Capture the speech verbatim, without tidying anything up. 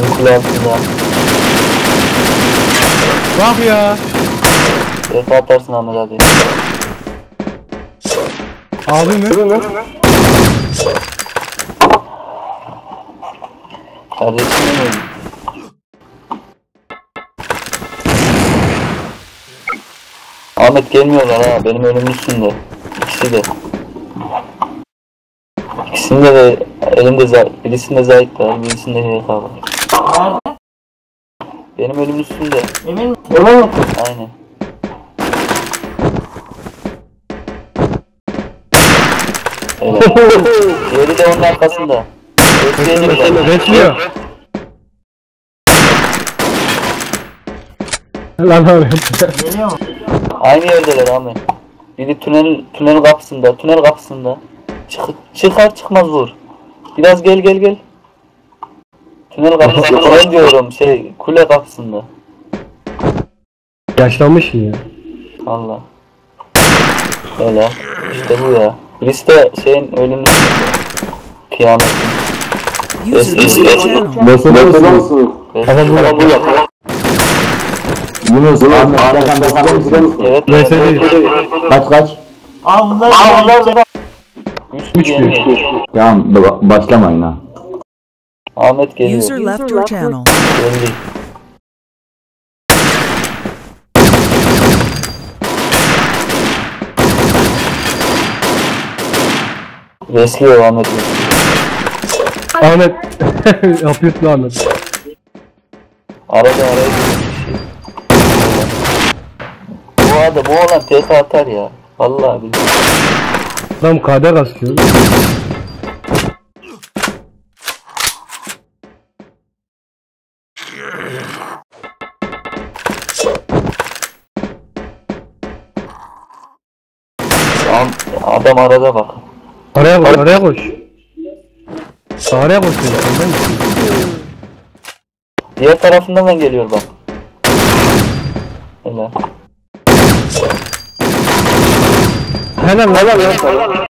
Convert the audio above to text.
Benim kule altında. Bak ya. Defa atarsın Ahmet abi. Abi mi? Kardeşim benim. Ahmet gelmiyorlar ha, benim önümün üstünde. İkisi de. İkisinde de elimde zayıf, birisinde zayıf var, birisinde H K var. Nerede? Benim önümün üstünde. Emin misin? Emin misin? Aynen. Evet. Diğeri de onun arkasında. Bekleyelim. Bekliyor. Lan abi. Geliyor mu? Aynı yerdeler Ahmet. Biri tünel tünel kapısında, tünel kapısında. Çık, çıkar çıkmaz vur. Biraz gel gel gel. Tünel kapısında, tünel diyorum şey, kule kapısında. Yaşlanmış ya. Allah. Öyle. İşte bu ya. Birisi de şeyin ölümü. Kıyamet. User joined your channel. Nasıl nasıl? Ama bu yap. Yunus Ahmet Serkan bakar mısın? Evet. Neyse değil. Kaç kaç? Aa bunlar Aa bunlar Üç bir. Tamam ba- başlamayın ha. Ahmet geliyor. User left your channel. Geldi. Resliyor Ahmet. Ahmet. Yapıyorsun Ahmet. Arada araya girmiş bir şey. Bu adam, bu olan T K atar ya. Vallahi billahi. Adam kader asıyor. Adam, adam arada bak. Araya koş, araya koş. Araya koş. Diğer tarafından da geliyor bak. Helal. Helal helal.